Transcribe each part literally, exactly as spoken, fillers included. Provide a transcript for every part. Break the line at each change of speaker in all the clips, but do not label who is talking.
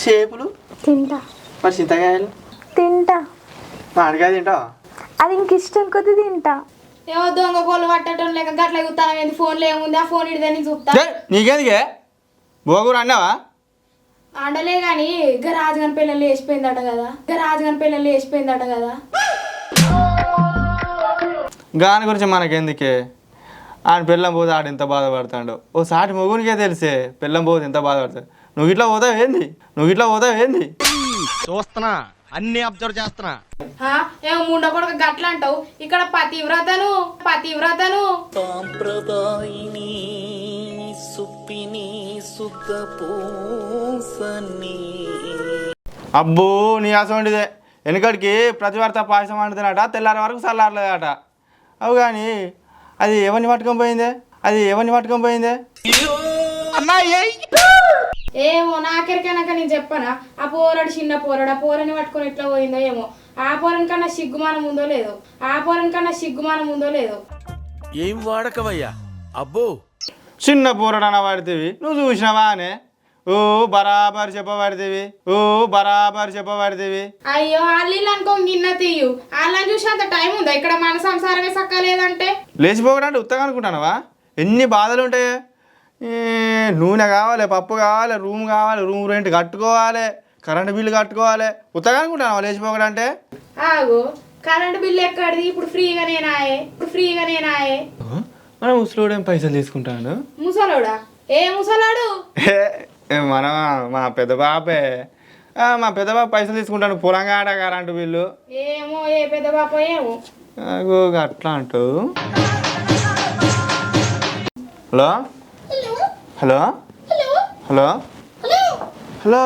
షేపులు
తింటా.
మరి చింతకాయలు
తింటా.
మామిడికాయ తింటావా?
అది ఇంక ఇష్టం కొద్ది తింటా.
ఏమో దొంగ కోళ్ళు పట్టడం లేక గట్ల చూస్తాను ఏంది ఫోన్లో ఏముంది ఆ ఫోన్ ఇడిదని చూస్తా.
నీకేందుకే బోగురు అన్నావా?
అండలే కానీ ఇక రాజుగాని పిల్లలు వేసిపోయిందట కదా ఇక రాజుగాని పిల్లలు వేసిపోయిందట కదా
గాని గురించి మనకెందుకే? ఆయన పిల్లం పోతే ఆడు ఎంత బాధపడతాడు. ఓ సాటి మొగునికే తెలిసే పిల్లం పోతే ఎంత బాధపడతాడు. నువ్వు ఇట్లా పోతావు ఏంది? నువ్వు ఇట్లా పోతావు ఏంది?
చూస్తున్నా, అన్ని అబ్జర్వ్ చేస్తున్నా.
ఏమో ముండ కొడుకు గట్ల అంటావు. ఇక్కడ పతివ్రతను పతివ్రతను
సాంప్రదాయిని సుప్పిని సుఖ పూసని.
అబ్బో నీ అసోంటిదే. వెనుకడికి ప్రతివార్త పాయసం వండుతున్నట, తెల్లారి వరకు చల్లారలేదట. అవు కానీ అది ఎవరిని పట్టుకొని పోయిందే? అది ఎవరిని పట్టుకొని పోయిందే?
ఏమో నాకెరికైనాక నేను చెప్పనా ఆ పోరడు చిన్న పోరడు ఆ పోరని పట్టుకొని ఎట్లా పోయిందో ఏమో. ఆ పోరని కన్నా సిగ్గుమానం ఉందో లేదో ఆ పోరని కన్నా సిగ్గుమానం ఉందో లేదో
ఏం వాడకవయ్యా అబ్బో.
చిన్న పోరడన పడితేవి నువ్వు చూసినావా అనే? ఓ బరాబర్ చెప్పబడితేవి ఓ బరాబర్ చెప్పబడితేవి.
అయ్యో వాళ్ళు అనుకో గిన్న తీయు వాళ్ళని చూసి అంత టైం ఉందా ఇక్కడ మన సంసారమే సక్కలేదంటే?
లేచిపోకడంటే ఉత్తగా అనుకుంటానవా? ఎన్ని బాధలు ఉంటాయి. నూనె కావాలి, పప్పు కావాలి, రూమ్ కావాలి, రూమ్ రెంట్ కట్టుకోవాలి, కరెంటు బిల్లు కట్టుకోవాలి. ఉత్తగా అనుకుంటానవా లేచిపోకడంటే?
ఆగు కరెంటు బిల్లు ఎక్కడిది? ఇప్పుడు ఫ్రీగానేనాయే ఇప్పుడు ఫ్రీగానేనాయే
మన ముసలోడు ఏం పైసలు తీసుకుంటాడు?
ముసలోడా? ఏ ముసలాడు?
మన మా పెద్ద బాపే. మా పెద్ద బాబు పైసలు తీసుకుంటాను పొలంగాడ కరెంటు బిల్లు.
ఏమో ఏ పెద్ద బాప ఏమో.
అట్లా అంటూ. హలో హలో హలో హలో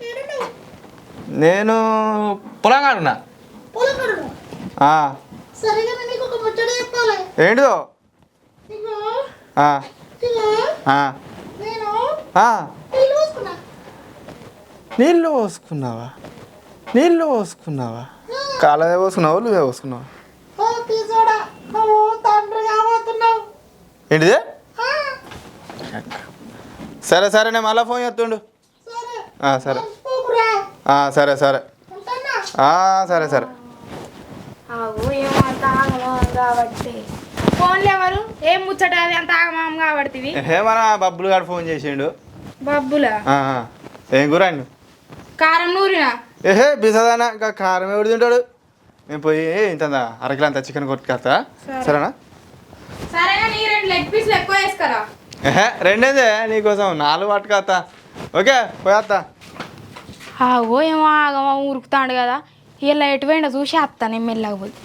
నేను పొలంగాడున్నా. ఏంటిదో? నీళ్ళు పోసుకున్నావా? నీళ్ళు పోసుకున్నావా? కాలదే పోసుకున్నావా? నువ్వే పోసుకున్నావా? ఏంటిదే? సరే సరే నేను మళ్ళీ ఫోన్ చేస్తుండు. సరే సరే సరే సరే సరే
ఏమో అంత ఆగమం కాబట్టి ఫోన్లు ఎవరు ఏం ముచ్చట అది అంత ఆగమం కాబట్టి
ఏ మన బబ్బులు గారు ఫోన్ చేసిండు.
బబ్బులా?
ఏం కూర అండి?
కారం నూరినా?
ఏహే బిసదానా ఇంకా కారం ఎవడు తింటాడు? నేను పోయి ఇంత అరకిలో అంత చికెన్ కొట్టుకొస్తా. సరేనా?
సరేగా నీ రెండు లెగ్ పీస్లు ఎక్కువ వేసుకరా.
ఏహే రెండేదే నీకోసం నాలుగు పట్టుకొస్తా. ఓకే పోయేస్తా.
ఆగో ఏమో ఆగమా ఉరుకుతాడు కదా. ఇలా ఎటు పోయిండో చూసి వస్తా నేను మెల్లగా పోయి.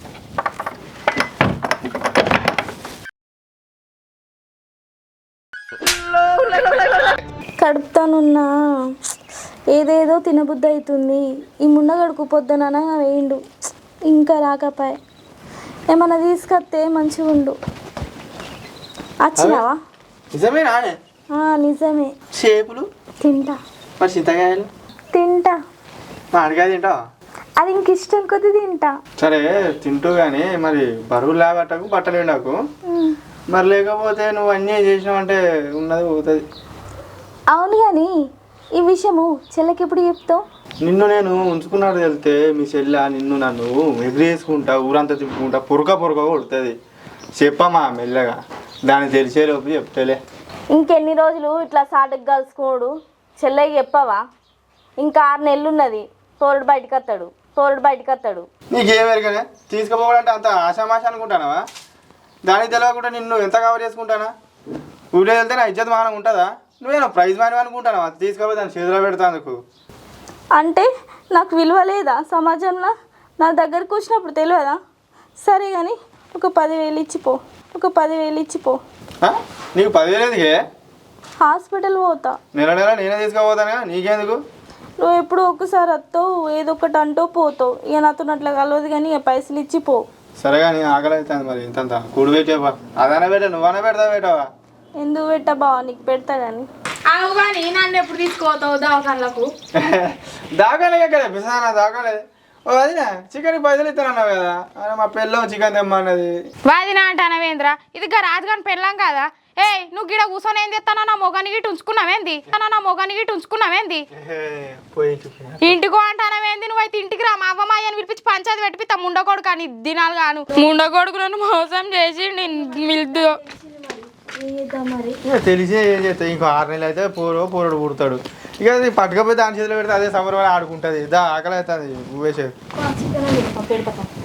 కడుపుతానున్నా ఏదేదో తినబుద్ధి అవుతుంది. ఈ ముండగడుకు పొద్దున వేయండు ఇంకా రాకపోయే. ఏమన్నా తీసుకొస్తే మంచిగా ఉండు. వచ్చినావా?
నిజమేనా?
నిజమే.
షేపులు
తింటా.
మరి చింతకాయలు
తింటా.
మామిడికాయ తింటావా?
అది ఇంక ఇష్టం కొద్ది తింటా.
సరే తింటూ కానీ మరి బరువు లేబట్టకు బట్టలు ఎండకు. మరి లేకపోతే నువ్వు అన్నీ చేసినావంటే ఉన్నది పోతుంది.
అవును కానీ ఈ విషయము చెల్లెకి ఎప్పుడు చెప్తావు?
నిన్ను నేను ఉంచుకున్నాడు వెళ్తే మీ చెల్లె నిన్ను నన్ను ఎగిరేసుకుంటా ఊరంతా తిప్పుకుంటా పొరక పొరక కొడుతుంది. చెప్పమ్మా మెల్లగా, దాన్ని తెలిసేలోపు చెప్తేలే.
ఇంకెన్ని రోజులు ఇట్లా సాటుకు కలుసుకోడు? చెల్లెకి చెప్పవా? ఇంకా ఆరు నెలలు ఉన్నది. తోరుడు బయటకు వస్తాడు తోరుడు బయటకు వస్తాడు
నీకేమెరకనే తీసుకుపోవాలంటే అంత ఆశామాష అనుకుంటానవా? దానికి తెలియకుండా నిన్ను ఎంత కవర్ చేసుకుంటానా? ఊళ్ళో వెళ్తే నా ఇజ్జత్ మానం ఉంటుందా? నువ్వేనా ప్రైజ్ మాని అనుకుంటానవా? తీసుకుపోయి దాన్ని చేతిలో పెడతాందుకు.
అంటే నాకు విలువ లేదా సమాజంలో? నా దగ్గరకు వచ్చినప్పుడు తెలియదా? సరే కానీ ఒక పదివేలు ఇచ్చిపో ఒక పదివేలు ఇచ్చిపో.
నీకు పదివేలు ఎందుకే?
హాస్పిటల్ పోతా.
నెల నెల నేనే తీసుకుపోతానా? నీకెందుకు?
నువ్వు ఎప్పుడు ఒక్కసారి వస్తావు ఏదో ఒకటి అంటూ పోతావు. ఇక నాతో అట్లా కలవదు కానీ ఇక పైసలు ఇచ్చిపో.
సరే కానీ ఆకలి అవుతుంది. మరి ఇంత కూడి పెట్టావా? అదన పెట్టా నువ్వనే పెడతా పెట్టావా?
ఎందుకు పెట్టా బావ? నీకు పెడతా కానీ.
అవు కానీ నన్ను ఎప్పుడు తీసుకోతావు దవాఖానలకు?
దాకాలే కదా బిసానా దాకాలే. ఓ అదినా చికెన్ పైసలు ఇస్తానన్నావు కదా. మా పెళ్ళం చికెన్ తెమ్మన్నది.
వాదినా అంటానవేంద్ర? ఇది రాజుగాని పెళ్ళాం కదా. ఏ నువ్వు గిడ కూర్చొని ఏం చేస్తానో నా మొగాని గిట్ట ఉంచుకున్నావేంది అన్నా నా మొగాని గిట్ట ఉంచుకున్నావేంది
పోయి
ఇంటికో అంటానవేంది నువ్వైతే ఇంటికి రా మా అవ్వ మా అయ్యని పిలిపించి పంచాయతీ పెట్టిపిస్తా ముండకోడు కానీ దినాలు గాను ముండకోడుకు నన్ను మోసం చేసి నేను మిల్దు
తెలిసే ఏం చేస్తాయి ఇంకో ఆరు నెలలు అయితే పోరో పోరడు పుడతాడు ఇక అది పట్టుకపోతే దాని చేతిలో పెడితే అదే సంబరం ఆడుకుంటుంది దా ఆకలి అవుతుంది వేసేది
పెడతా